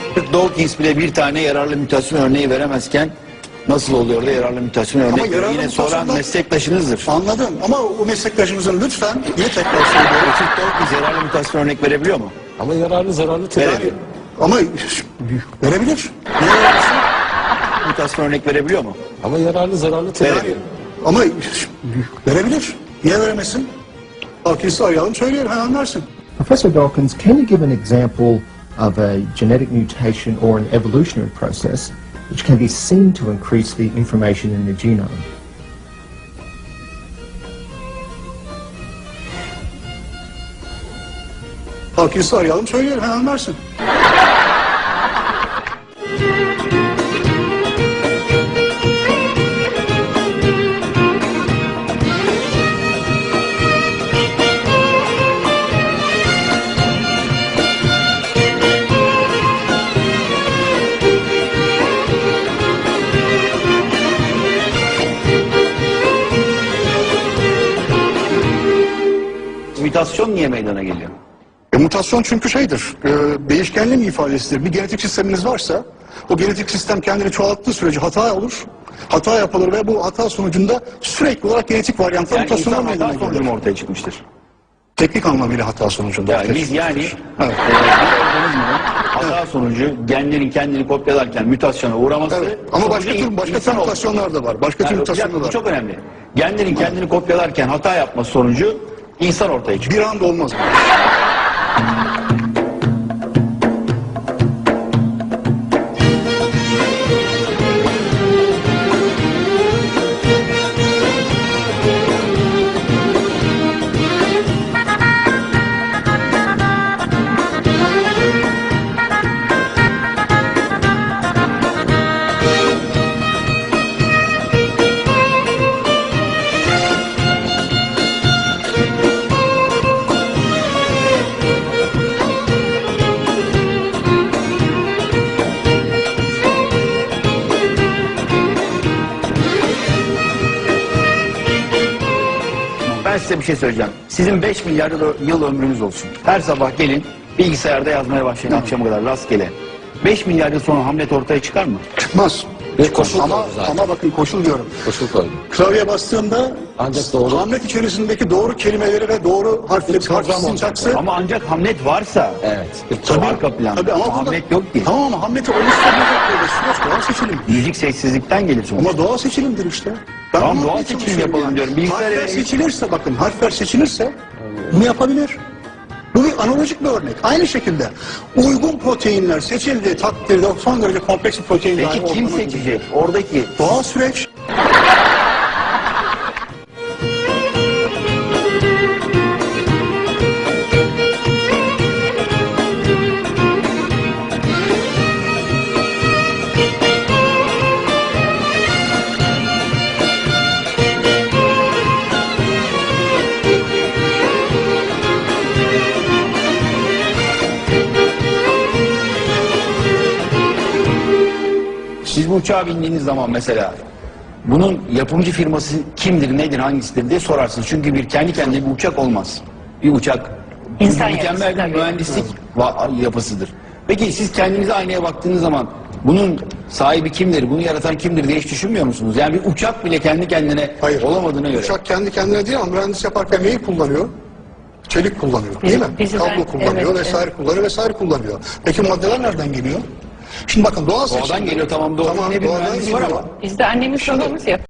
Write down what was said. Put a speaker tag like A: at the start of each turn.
A: Dawkins bile bir tane yararlı mutasyon örneği veremezken nasıl oluyor da yararlı mutasyon örnek veriyor? Yine soran meslektaşınızdır.
B: Anladım ama o meslektaşımızın lütfen yine tekrar söylüyorum.
A: Richard Dawkins yararlı mutasyon örnek verebiliyor mu?
C: Ama yararlı zararlı tedavi.
A: Verebilir.
B: Ama verebilir. Niye veremesin?
A: Mutasyon örnek verebiliyor mu?
C: Ama yararlı zararlı tedavi.
A: Verebilir.
B: Ama verebilir. Niye veremesin? Dawkins'i arayalım söyleyelim hemen versin.
D: Professor Dawkins, can you give an example of a genetic mutation or an evolutionary process which can be seen to increase the information in the genome?
B: Dawkins'i arayalım söyleyelim hemen versin.
A: Mutasyon niye meydana geliyor?
B: Mutasyon çünkü şeydir, değişkenliğin ifadesidir. Bir genetik sisteminiz varsa, o genetik sistem kendini çoğalttığı sürece hata olur, hata yapılır ve bu hata sonucunda sürekli olarak genetik varyantlar
A: Yani
B: mutasyonlar
A: insan
B: meydana
A: hata sonucu
B: gelir.
A: mu ortaya çıkmıştır?
B: Teknik anlamıyla hata sonucunda.
A: Yani
B: ortaya
A: biz yani
B: çıkmıştır. Evet.
A: bir organizmanın hata sonucu genlerin kendini kopyalarken mutasyona uğraması
B: Evet. Ama
A: sonucu
B: başka tür
A: insan oldu.
B: mutasyonlar da var. Başka tür
A: Yani,
B: mutasyonlar
A: bu
B: var.
A: çok önemli. Genlerin kendini kopyalarken hata yapması sonucu insan ortaya çıkıyor.
B: Bir anda olmaz.
A: Ben size bir şey söyleyeceğim. Sizin 5 milyar yıl ömrünüz olsun. Her sabah gelin bilgisayarda yazmaya başlayın akşama kadar rastgele. 5 milyar yıl sonra Hamlet ortaya çıkar mı?
B: Çıkmaz.
C: Bir koşul
B: Ama,
C: koydu zaten.
B: ama bakın koşul diyorum.
C: Koşul koydu.
B: Klavyeye bastığımda
C: Ancak doğru.
B: Hamlet içerisindeki doğru kelimeleri ve doğru harfleri, harf sintaksı.
A: Ama ancak Hamlet varsa
C: Evet.
B: Tabii,
A: arka planda.
B: tabii ama
A: Hamlet yok ki.
B: Tamam ama Hamlet'i oluşturmayacak böyle süreç doğal seçilim.
A: Müzik sessizlikten gelir sonuçta.
B: Ama doğal seçilimdir işte. Ben
A: Tamam,
B: bunu
A: doğal
B: anlatmaya
A: seçilim
B: çalışıyorum
A: yapalım diyorum. Bilgisayar
B: Harfler
A: ele-
B: seçilirse bakın harfler seçilirse bunu yapabilir. Bu bir analojik bir örnek. Aynı şekilde uygun proteinler seçildiği takdirde son derece kompleks bir protein dahi
A: Peki kim
B: ortama
A: seçecek?
B: gelir.
A: Oradaki
B: Doğal süreç.
A: siz bu uçağa bindiğiniz zaman mesela bunun yapımcı firması kimdir, nedir, hangisidir diye sorarsınız. Çünkü bir kendi kendine bir uçak olmaz. Bir uçak
E: İnsan
A: mükemmel
E: yapısı,
A: bir
E: tabii.
A: mühendislik yapısıdır. Peki siz kendinize aynaya baktığınız zaman bunun sahibi kimdir, bunu yaratan kimdir diye hiç düşünmüyor musunuz? Yani bir uçak bile kendi kendine
B: Hayır.
A: olamadığına göre.
B: Uçak kendi kendine değil ama mühendis yaparken neyi kullanıyor? Çelik kullanıyor değil mi?
E: Bizden-
B: Kablo kullanıyor
E: evet,
B: vesaire kullanıyor vesaire kullanıyor. Peki maddeler nereden geliyor? Şimdi bakın doğal seçim.
A: Doğadan geliyor tamam doğru. Yine bir
B: doğadan
A: mühendis var
B: geliyor.
A: ama.
E: Biz de annemiz babamız yapıyor.